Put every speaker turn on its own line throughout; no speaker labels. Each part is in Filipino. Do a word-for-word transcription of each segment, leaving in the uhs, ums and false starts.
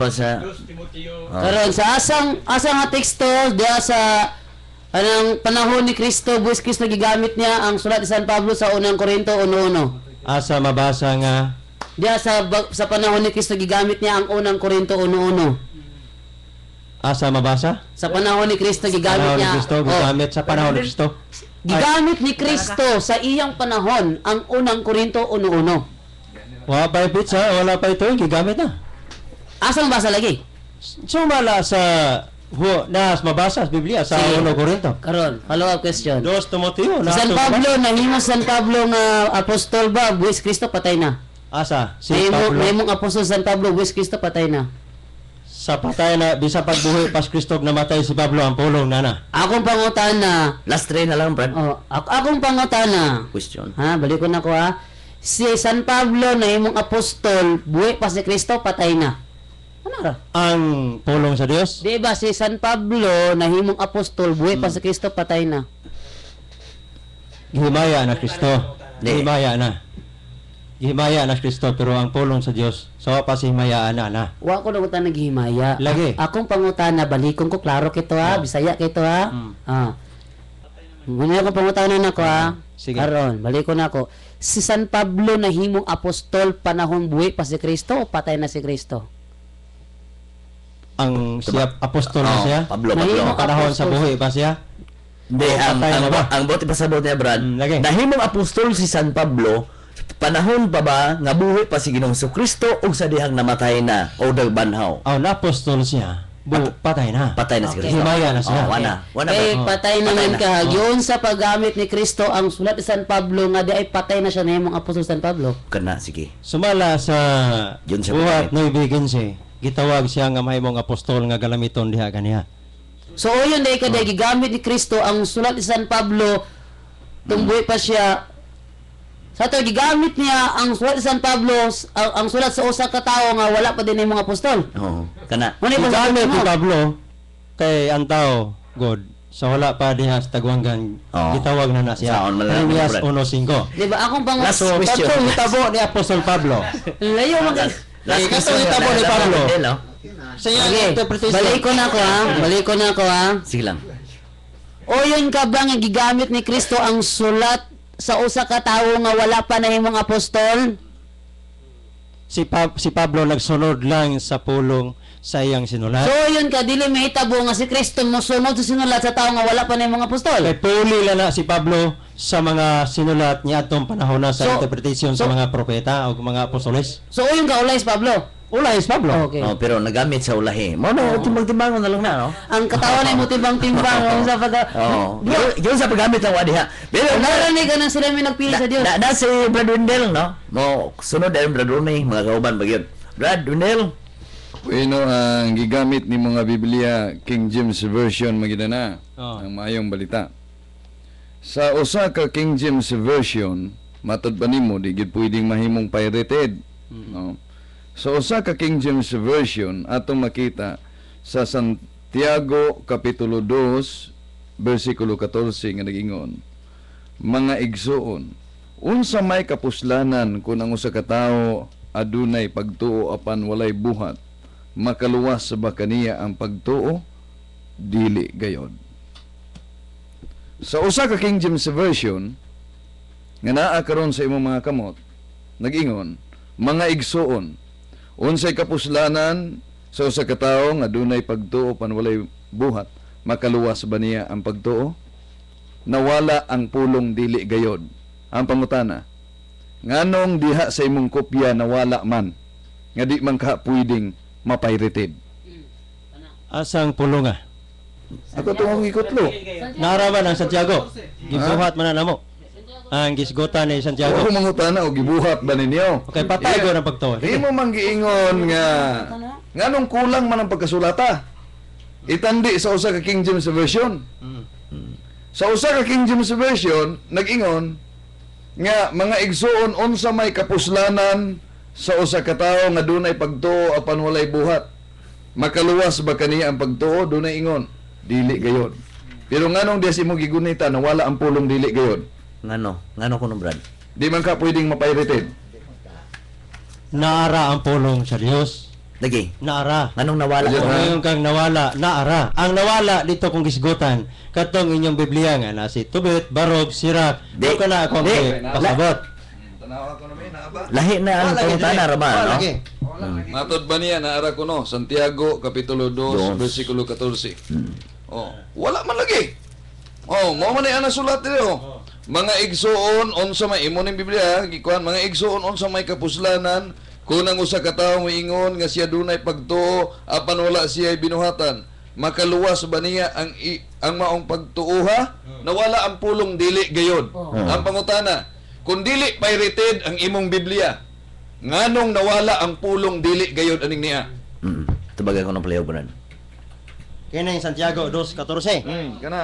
sa
Oh.
Karon sa asang asang nga teksto diya sa anang panahon ni Kristo, buwis Kristo gigamit niya ang sulat ni San Pablo sa unang Korinto one one.
Asa mabasa nga
Diya sa sa panahon ni Kristo gigamit niya ang unang Korinto one one.
asa mabasa?
Sa panahon ni Kristo gigamit
Panahon ni
niya.
Kristo,
oh,
gigamit sa panahon ni Kristo.
gigamit ni Kristo sa iyang panahon ang unang Korinto one one.
Wala pa yung pizza, wala pa ito, gigamit na.
Asa mabasa lagi?
Sumala sa hu, nas mabasa sa Biblia sa
Sige.
unang Korinto.
Karon, follow up question.
Dos Timoteo
Si San Pablo, nahimo San Pablo nga apostol ba, buwis Kristo patay na.
Asa si
Nahimo
Pablo
nahimong apostol San Pablo, buwis Kristo patay na.
sa patay na bisa pagbuhi pas Kristo namatay si Pablo ang pulong nana.
Akong pangutana,
last try na lang, Brad.
oh, ak akong pangutana.
Question.
Ha, balik ko na ko ha. Si San Pablo nahimong apostol, buhi pa si Kristo patay na. Ano ra?
Ang pulong sa Dios.
Di ba si San Pablo nahimong apostol, buhi pa si Kristo patay na.
Gihimaya na Kristo.
Di.
Gihimaya na. Gihimaya na Kristo pero ang pulong sa Dios sa pa si himayaan na na.
Wa ko na utang naghihimaya.
Lagi.
A- akong pangutana, balikon ko klaro kito ha, Bisaya kito ha.
Mm.
Ah. Muna ko pangutana na ko ha.
Sige.
Karon, balikon ako. Si San Pablo nahimong apostol panahon buhi pa si Kristo o patay na si Kristo?
Ang siya apostol na
Oh,
siya.
Pablo,
Nahimo
Pablo.
Panahon sa
apostol.
buhi pa siya.
Hindi,
Oh,
ang,
patay
ang,
na ba?
ang bote pasabot niya, Brad.
Mm, lagi.
Nahimong apostol si San Pablo, panahon pa ba nga buhi pa si Ginoong Kristo ug sa dihang namatay na o dagbanhaw.
Oh, na apostol siya. Bu, patay na.
Patay na si
Okay.
Kristo.
Himaya na siya.
Oh, wana. Wana ba?
Eh,
Oh,
patay
patay
naman
na.
ka.
Oh.
Yun sa paggamit ni Kristo, ang sulat ni San Pablo nga di ay patay na siya nahimong apostol San Pablo.
Kana, sige.
Sumala sa
Yun siya
buhat
patay.
no ibigin siya. Gitawag siya nga mahimong apostol nga galamiton diha kaniya.
So, o yun dahil kada gigamit ni Kristo ang sulat ni San Pablo, tumbuhi pa siya. Sa ito, gigamit niya ang sulat ni San Pablo, ang, ang sulat sa usa ka tawo nga wala pa din yung mga apostol.
Oo. Kana.
Ano yung
Gigamit ni
mo?
Pablo kay ang tao God sa wala pa diha sa tagwanggan
Oo.
gitawag na na siya.
Saan man lang,
Jeremias
Brad.
one five.
Di ba? Akong pang...
Last
So,
question.
katong hitabo ni Apostol Pablo.
Layo mag...
Eh, katong hitabo ni Pablo.
Hello.
Sa iyang
Okay,
interpretation.
balik ko na ko ha. Balik ko na ko ha.
Sige lang.
O yun ka ba nga gigamit ni Kristo ang sulat sa usa ka tawo nga wala pa nahimong apostol?
Si, pa- si Pablo nagsunod lang sa pulong sa iyang sinulat.
So yun ka, dili mahitabo nga si Kristo mosunod sa sinulat sa tawo nga wala pa nahimong apostol.
Kay puli lang na si Pablo sa mga sinulat niya atong panahon na sa
So-
interpretation
so-
sa mga propeta o mga apostoles.
So o yun ka, ulay Pablo.
Ulay is Pablo.
Okay.
Oh, pero nagamit sa ulahi. Mo na timbang-timbangon na lang na, no?
Ang katawan ay mo timbang-timbang ang sa pag...
Oo. Yun- Yun sa paggamit ng wadiha. Pero
Narinig ka na sila may nagpili sa Diyos.
Na, na, na si Brad Wendell, no? Mo, sunod ay Brad Rooney, mga kauban ba yun? Brad Wendell?
Bueno, ang gigamit ni mga Biblia King James Version magina na
Oh.
ang maayong balita. Sa usa ka King James Version, matod pa nimo di gid pwedeng mahimong pirated. No. Sa usa ka King James Version atong makita sa Santiago kapitulo two bersikulo fourteen nga nagingon, mga igsuon, unsa may kapuslanan kung ang usa ka tawo adunay pagtuo apan walay buhat, makaluwas ba kaniya ang pagtuo? Dili gayod. Sa usa ka King James Version nga naa karon sa imong mga kamot, nag-ingon, mga igsuon, unsay kapuslanan sa usa ka tawo nga adunay pagtuo apan walay buhat, makaluwas ba niya ang pagtuo? Nawala ang pulong dili gayod. Ang pangutana, nganong diha sa imong kopya nawala man nga di man ka pwedeng mapirated?
Asang pulong ah.
Ako tungong ikotlo.
Naraman ang Santiago. Gibuhat man na namo. Ang gisgotan ni Santiago.
Ako mangutana og gibuhat ba ninyo?
Okay, patay ko ng pagtuo.
Di mo man giingon nga nganong kulang man ang pagkasulata. Itandi sa usa ka King James Version. Sa usa ka King James Version nag-ingon nga mga igsuon unsa may kapuslanan sa usa ka tawo nga dunay pagtuo apan walay buhat, makaluwas ba kaniya ang pagtuo? Dunay ingon dili gayod. Pero nganong diya si mo gigunita na wala ang pulong dili gayod?
Ngano? Ngano ko no, Brad?
Di man ka pwedeng mapirated.
Naara ang pulong sa Dios.
Lagi.
naara.
Anong nawala
Ayun,
ko?
ha?
Ngayon kang nawala, naara. Ang nawala dito kung gisgutan, katong inyong Biblia nga na si tubit, barog, sirak.
Di.
Di ka na akong
Di.
pasabot.
Tanawa ko na may naaba.
Lahi na ang
Wala,
pangutana,
lagi.
Rama,
Wala,
no?
lagi.
Matod ba niya naara ko no? Santiago kapitulo two,
Dos.
bersikulo fourteen. Oh, wala man lagi. Oh, mo man ana sulat dito. Mga igsoon unsa may imo ning Biblia, gikuan mga igsoon unsa may kapuslanan kunang usa ka tawo moingon nga siya dunay pagtuo apan wala siya binuhatan. Makaluwas ba niya ang i, ang maong pagtuuha? Nawala ang pulong dili gayod. Ang pangutana, kung dili pirated ang imong Biblia, nganong nawala ang pulong dili gayod aning niya?
Mm. Tubagay ko ng playo ko
Kaya na yung Santiago two fourteen.
Hmm, kana.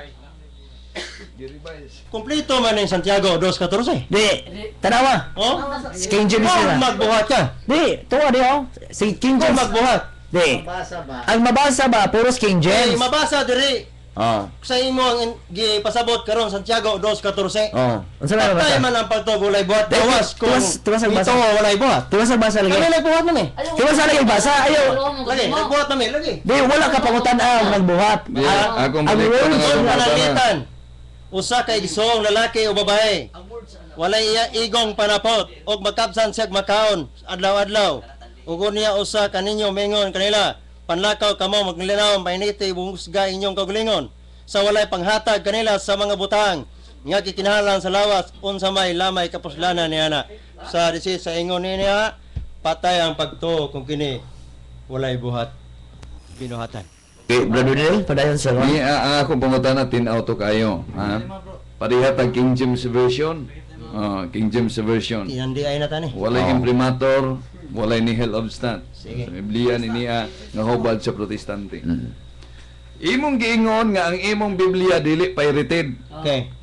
Kompleto man yung Santiago two fourteen.
Di, tanawa.
Oh?
Si King James
Kung
nila.
magbuhat ka.
Di, tuwa di oh. Si King
Kung
James.
magbuhat.
Di. Ang mabasa ba, puros King
Eh,
James.
mabasa diri
Oh.
sa imo ang gipasabot karon Santiago two fourteen.
Oh. Unsa na
Patay
mabasa?
man ang pagtuo walay buhat.
Di,
Gawas kung
tuwas- tuwas ang basa.
ito walay buhat.
Tuwa sa basa
Kami
lagi.
nagbuhat man eh.
Tuwa sa lagi basa, ayaw.
Lagi, nagbuhat namin lagi.
Di, wala ka pangutan ang nagbuhat.
Di,
Ah,
akong
ang
balik ko
words
na
Kung
akong basa na.
panalitan, usa kay igsoong lalaki o babae. Walay iya igong panapot og magkabsan siya makaon adlaw-adlaw. Ug niya usa kaninyo mingon kanila, panlakaw kamo maglinaw painiti bumusga inyong kaugalingon. Sa walay panghatag kanila sa mga butang nga kikinahanglan sa lawas unsa may lamay kapuslanan niana. Sa disi sa ingon niya patay ang pagtuo kung kini walay buhat binuhatan.
Okay, Brother Neil, padayon sa
Ni ah, ang akong pangutana tin auto kayo, ha? Parihat ang King James version. Oh, King James version.
Tinandi ay nata ni.
Walay
Oh.
imprimatur, walay nihil obstant.
Sige.
Sa Biblia ni niya nga hubad sa protestante.
Mm.
Imong giingon nga ang imong Biblia dili pirated.
Okay.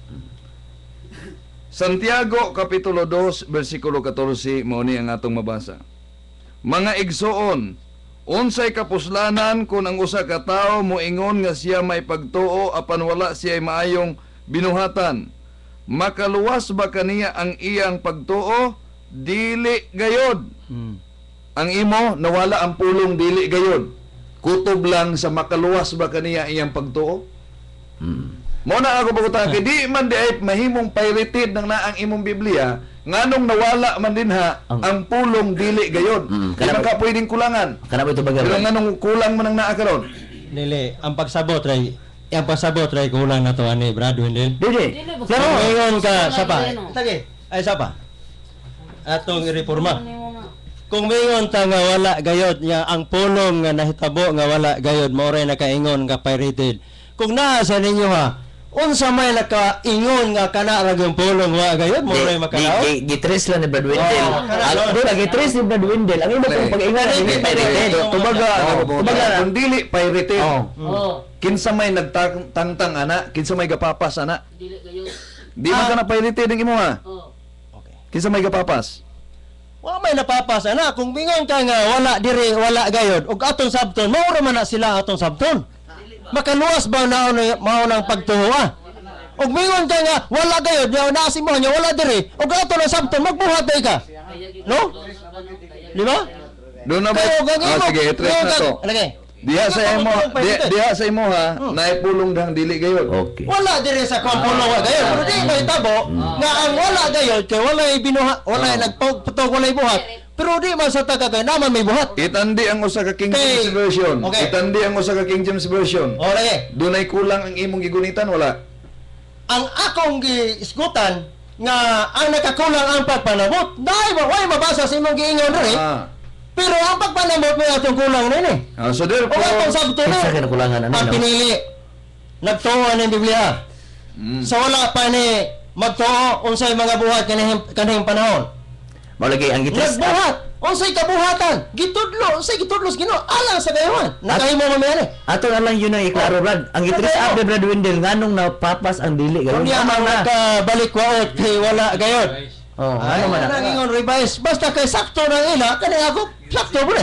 Santiago kapitulo two bersikulo fourteen mao ni ang atong mabasa. Mga igsoon, unsay kapuslanan kung ang usa ka tawo moingon nga siya may pagtuo apan wala siya maayong binuhatan? Makaluwas ba kaniya ang iyang pagtuo? Dili gayod.
Hmm.
Ang imo nawala ang pulong dili gayod. Kutob lang sa makaluwas ba kaniya iyang pagtuo?
Mm.
Mo na ako pagutana kay di man di ay mahimong pirated ng naang imong Biblia nganong nawala man din ha
Ang-
ang pulong dili gayod.
Mm,
Di man ka pwedeng kulangan.
Kana ba ito bagay?
Pero nganong kulang man ang naa karon?
Dili, ang pagsabot ray, ang pagsabot ray kulang na to ani Brad Wendell.
Dili.
Dili,
Claro.
Ngayon ka
Wala
sapa.
yan, oh.
Sige, ay sapa. Atong ireforma. Kung mayon ta nga wala gayod nga ang pulong nga nahitabo nga wala gayod mao ray nakaingon nga pirated. Kung naa sa ninyo ha, unsa may nakaingon nga kana ra gyud pulong wa gayod mo ray makalaw?
Gi gitres lang ni Brad Wendell.
Oh, kana,
Ang
no?
dili gitres ni Brad Wendell. Ang imo
Dili.
kung pag-ingat
Dili,
hindi
dili,
pirated.
dili.
Tubaga,
Oh,
ako,
tubaga.
tubaga kung dili pirated.
Oh.
Oh,
Kinsa may nagtangtang ana, kinsa may gapapas ana.
dili kayo.
Di man
Ah.
ka na pirated ang imo ha.
Oh.
Okay.
Kinsa may gapapas.
Wa may napapasa na kung bingon ka nga wala diri wala gayod ug atong sabton mao ra man na sila atong sabton. Makaluwas ba na mao nang pagtuwa? Ug bingon ka nga wala gayod nga naa si mo nya wala diri ug ato na sabton magbuhat day ka. No? Di ba?
Doon na ba?
Kayo gang
Ah,
imo.
sige, i-trace
kayo
na
gang-
to.
Lagay.
Diha sa imo, di- diha sa imo ha, naipulong dang dili gayod.
Okay.
Wala diri sa kompulo wa gayod. Pero di may tabo nga ang wala gayod kay wala binuha wala
Ah.
nagputog wala buhat. Pero di man sa taga kay naman may buhat.
Itandi ang usa ka King
Okay.
James version.
Okay.
Itandi ang usa ka King James version.
O lagay.
Dunay kulang ang imong gigunitan wala.
Ang akong giisgutan nga ang nakakulang ang pagpanabot dahil ba way mabasa sa imong giingon rin
Ah.
pero ang pagpanabot may atong kulang rin eh
Ah, so
o atong
therefore,
sabto
Kinsa
na
kinakulangan ano?
ang
no?
pinili nagtuo ng Biblia
mm,
sa wala pa ni magtuo unsay mga buhat kanihing kanihing panahon
Mao lagi ang gitres.
nagbuhat unsay kabuhatan gitudlo unsay gitudlo sa Ginoo alang sa gayon nakahimo man mi ani
Ato na lang yun ang iklaro, Brad. Ang gitres
Ano?
up ni Brad Wendell nganong napapas ang dili
kung
gayud.
niya
Tama
ang
na.
nakabalik waot kay wala gayon
Oh,
ay
ano man na.
nangingon revise basta kay sakto na ila kani ako sakto mo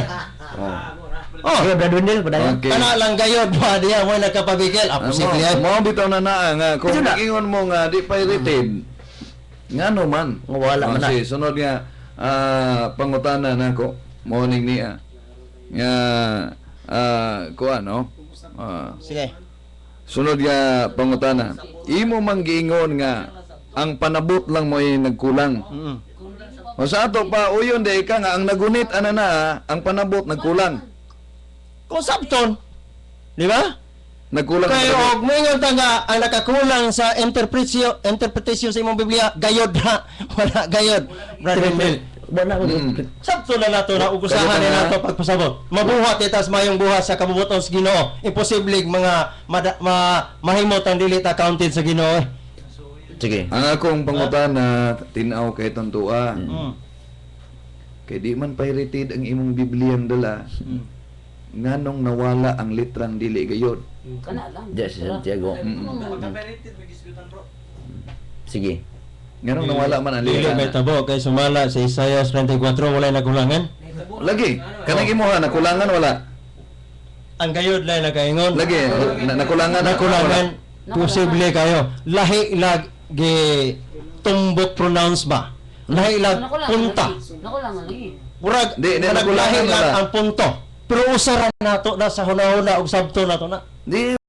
Oh,
Sige, Brad Wendell, padayon.
Okay.
kana lang gayod ba diya mo nagkapabigil
Ah,
ako simple ay
mo bitaw na naa nga kung
Ito na.
ingon mo nga di pirated. Ngano man.
Nga wala man na.
Kasi sunod nga ah, pangutana nako morning niya. nga ah kuan no. Ah,
Sige.
sunod nga pangutana. Imo man giingon nga ang panabot lang mo ay nagkulang.
Mm.
O sa ato pa uyon de ka nga ang nagunit ana na ang panabot nagkulang.
Kung sabton, di ba?
Nagkulang ang
Kaya
panabot.
og mingon ta nga ang nakakulang sa interpretasyon interpretasyon sa imong Biblia gayod na wala gayod. Brother Mel.
Wala ko.
Mm.
Sabto na nato na ugusahan
Kaya
na
nga-
nato pagpasabot. Mabuhat itas mayong buhat sa kabubuton sa Ginoo. Imposible mga mada, ma, mahimot ang dili ta counted sa Ginoo. eh.
Sige.
Ang akong pangutana tinaw kay tontua.
Mm.
Kay di man pirated ang imong Bibliang dala. Nganong nawala ang litrang dili gayod.
Kana lang.
Diyan si Santiago. Sige.
Nganong nawala man ang
Dili may
litrang.
tabo kay sumala sa Isaiah thirty-four wala nakulangan.
Lagi, kanang imuha nakulangan wala.
Ang gayod lang nakaingon.
Lagi, na, nakulangan
Nakulangan. Posible kayo. Lahi lag gi tumbot pronounce ba? Lahi lag
Nako lang.
punta.
Nako lang lagi.
Murag
Di, di,
murag
nakulangan
lahi
wala.
lang ang punto. Pero usaran nato na sa hunahuna og sabto nato na.
Di